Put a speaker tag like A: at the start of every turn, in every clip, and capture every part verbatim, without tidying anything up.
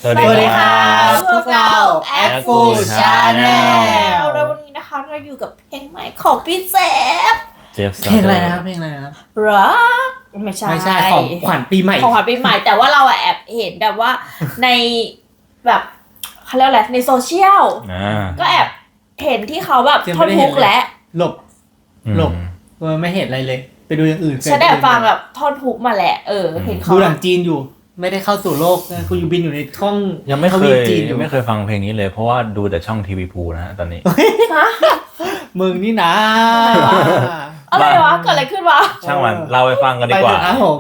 A: วัสดีครับ
B: พวกเรา Apple Channel แล้ววันนี้นะคะเราอยู่กับเพลงใหม่ของพี่เจฟ
A: เจฟเพลงอะไรนะครับเพลงอะไรนะครับ
B: รักไม่ใช่
C: ไม่ใช่ของขวัญปีใหม่
B: ของขวัญปีใหม่แต่ว่าเราแอบเห็นแบบว่าในแบบเขาเรียกอะไรในโซเชียลก็แอบเห็นที่เขาแบบท่อนฮุกและ
C: หลบหลบไม่เห็นอะไรเลยไปดูอย่างอื่น
B: ฉันได้ฟังแบบท่อนฮุกมาแหละเออเห็นเขา
C: ดูหนังจีนอยู่ไม่ได้เข้าสู่โลกกูอยู่บินอยู่ในช่อง
A: ยังไม่เคยยังไม่เคยฟังเพลงนี้เลยเพราะว่าดูแต่ช่องทีวีพูนะฮะตอนนี้
C: มึงนี่นะ
B: อะไรวะเกิดอะไรขึ้นวะ
A: ช่างมันเราไปฟังกันดีกว่า
C: ครับผม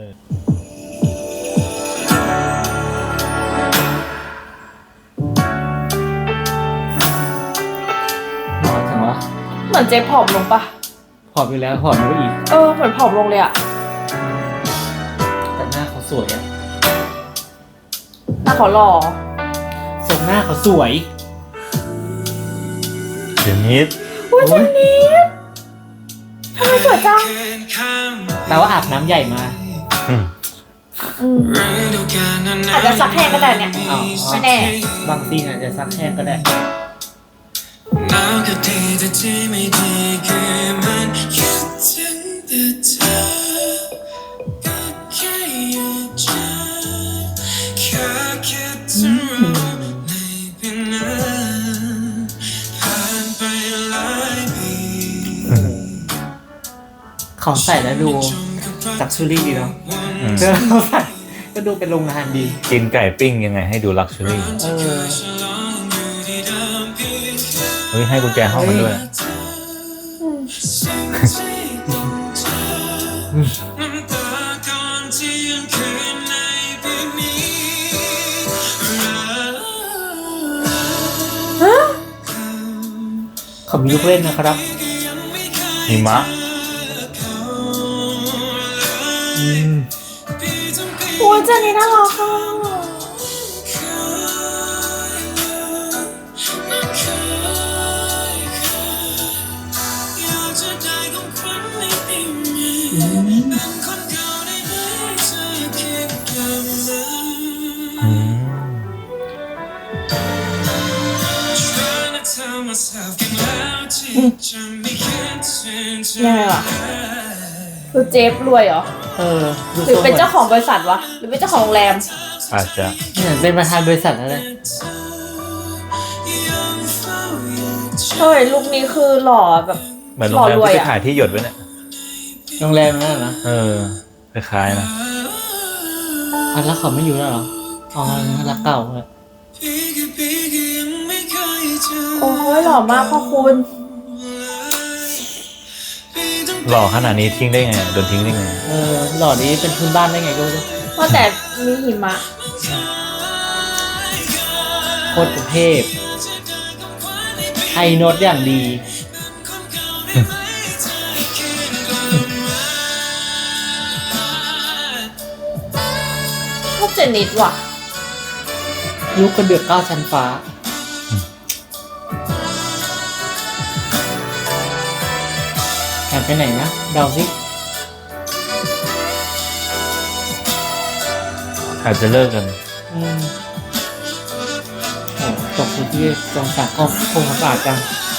B: เหมือนเจ๊ผอมลงปะ
C: ผอมอยู่แล้วผอมลงอีก
B: เออเหมือนผอมลงเลยอะ
C: แต่หน้าเขาสวยอะ
B: หน้าเขาหล่อ
C: ทรงหน้าเขาสวย
A: เจนิส
B: อุ้ยเจนิสทำไมสวยจัง
C: แปลว่าอาบน้ำใหญ่มา
B: อาจจะซักแห้งก็ได้เนี่ยไม่แน่
C: บางทีอาจจะซักแห้งก็ได้ของใส่แล้วดูจักชูรี่ดีเนาะเจอเขาใส่ก็ดูเป็นโรงงานดี
A: กินไก่ปิ้งยังไงให้ดูลักชัวรี่
C: เออ
A: เฮ้ยให้กุญแจห้องมันด้วย
C: เขามีลูกเล่นนะครับ
A: หิมะ
B: โอ้ยเจนี่น่ารักค่ะยังไงวะคือเจฟรวยเหรอ
C: เออ
B: หรือเป็นเจ้าของบริษัทวะหรือเป็นเจ้าของโรงแรม
A: อาจจะ
C: เนี่ยเป็นประธานบริษัทอะไร
B: เฮ้ยลุคนี้คือหล่อแบบ
A: เหมือนโรงแรมที่ไปถ่ายที่หยดไว้เนี่ย
C: โรงแรมนั่นนะ
A: เออคล้ายๆนะ
C: อ่ะแล้วเขาไม่อยู่แล้วเหรออ๋อรักเก่าเลย
B: โอ้ยหล่อมากพ่อคุณ
A: หล่อขนาดนี้ทิ้งได้ไงโดนทิ้งได้ไง
C: เออหล่อนี้เป็นพื้นบ้านได้ไงก็ไม่รู้
B: ว่าแต่มีหิมะ
C: โคตรเทพไฮโน้ตอย่างดี
B: ชอบเจนิสว่ะ
C: ลูกกระเดือกเก้าชั้นฟ้าแอบไปไหนนะเดาสิ
A: อาจจะเลิกกัน
C: อืมโอ้ตกอยู่ที่กองสากก็คงสะอาดจัง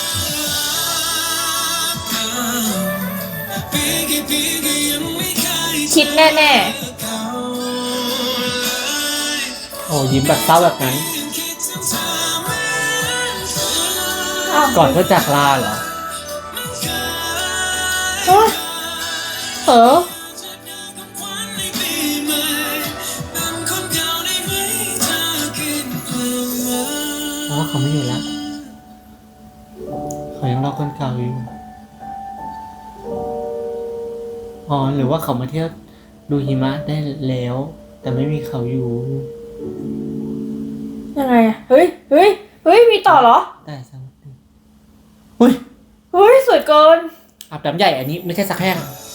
B: คิดแน่
C: ๆโอ้ยิ้มแบบเศร้าแบบนั้นก่อนเพื่อจากลาเหรอเออเพราะว่าเขาไม่อยู่แล้วเขายังรอคนเก่าอยู่อ๋อหรือว่าเขามาเที่ยวดูหิมะได้แล้วแต่ไม่มีเขาอยู่
B: ยังไงอะเฮ้ยเฮ้ยเฮ้ยมีต่อเหรอ
C: ได้สักทีเฮ้ย
B: เฮ้ยสวยเกิน
C: อาบน้ำใหญ่อันนี้ไม่ใช่สักแห้ง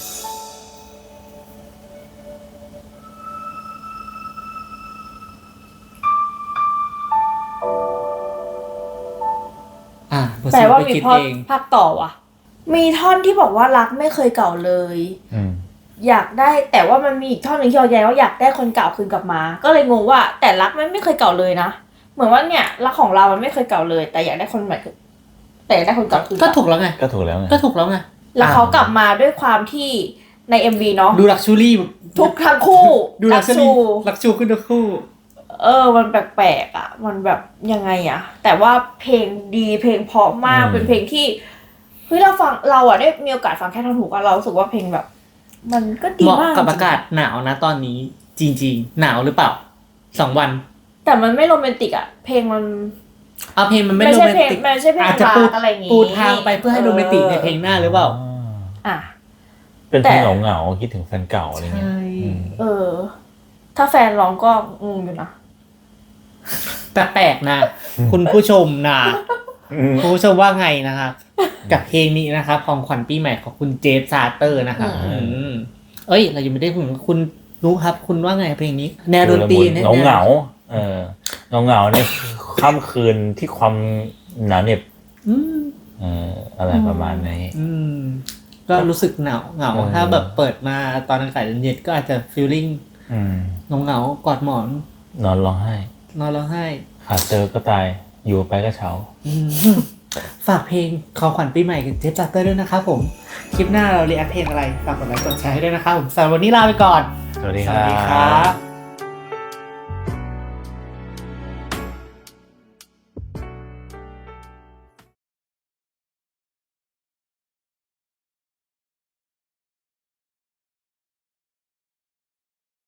B: แปลว่ามีพอภาคต่อว่ะมีท่อนที่บอกว่ารักไม่เคยเก่าเลยอยากได้แต่ว่ามันมีอีกท่อนหนึ่งที่เราแย้งว่าอยากได้คนเก่าคืนกลับมา ก็เลยงงว่าแต่รักมันไม่เคยเก่าเลยนะเหมือนว่าเนี่ยรักของเรามันไม่เคยเก่าเลย แต่อยากได้คนใหม่แต่อยากได้คนเก่าคืน
C: ก็ถูกแล้วไง
A: ก็ถูกแล้วไง
C: ก็ถูกแล้วไง
B: แล้วเขากลับมาด้วยความที่ใน เอ็ม วี เนาะ
C: ดูลักชูรี่
B: ทุกทั้งคู่
C: ดูลักชูรี่ลักชูขึ้นทุกคู่
B: เออมันแปลกๆอ่ะมันแบบยังไงอ่ะแต่ว่าเพลงดีเพลงเพราะมากเป็นเพลงที่เฮ้ยเราฟังเราอ่ะได้มีโอกาสฟังแค่ท่อนหูก็เรารู้สึกว่าเพลงแบบ มันก็ดี
C: เหมาะ
B: มาก
C: กับอากาศหนาวนะตอนนี้จริงๆหนาวหรือเปล่าสองวัน
B: แต่มันไม่โรแมนติกอ่ะเพลงมัน
C: เอาเพลงมันไม่
B: ไม่
C: โร
B: ใช่
C: แมน
B: เพลง
C: ติก
B: ไม่ใช่เพลง
C: อาจจะปู
B: รักอะไรอย่างงี้
C: ปูทางไปเพื่อให้โรแมนติกในเพลงหน้าหรือเปล่า
B: อ่ะ
A: เป็นเพลง
B: แต่
A: เหงาๆคิดถึงแฟนเก่าอะไรเงี้ย
C: ใช่
A: อืม
B: เออ ถ้าแฟนร้องก็งงอยู่นะ
C: แต่แปลกนะ คุณผู้ชมนะคุณผู้ชมว่าไงนะครับกับเพลงนี้นะครับของขวัญปีใหม่ของคุณเจฟซาเตอร์นะครับ
B: อืม
C: อืมเอ้ยเรายังไม่ได้พูดคุณรู้ครับ คุณว่าไงเพลงนี้ แนวดนตรี
A: เหงาเหงาๆเออเหงาเหงาๆเนี่ยค่ำคืนที่ความหนาวเหน็บ
C: อืม
A: เอออะไรประมาณนี้
C: อืมก็รู้สึกเหงาเหงา
A: เออ
C: ถ้าแบบเปิดมาตอนอากาศเย็นๆก็อาจจะฟีลลิ่ง
A: อืม
C: เหงาเหงาๆกอดหมอน
A: นอนร้องไห้
C: นอนร้องไห้
A: ขาดเจอก็ตายอยู่ไปก็เฉา
C: อืมฝากเพลงของขวัญปีใหม่กับเจฟซาเตอร์ด้วยนะครับผมคลิปหน้าเราเรียกเพลงอะไรฝากกดไลค์กดแชร์ให้ด้วยนะครับผมสำหรับวันนี้ลาไปก่อน
A: สวัสดี
C: ส
A: ค
C: วัส
A: รั
C: ดีครับ บ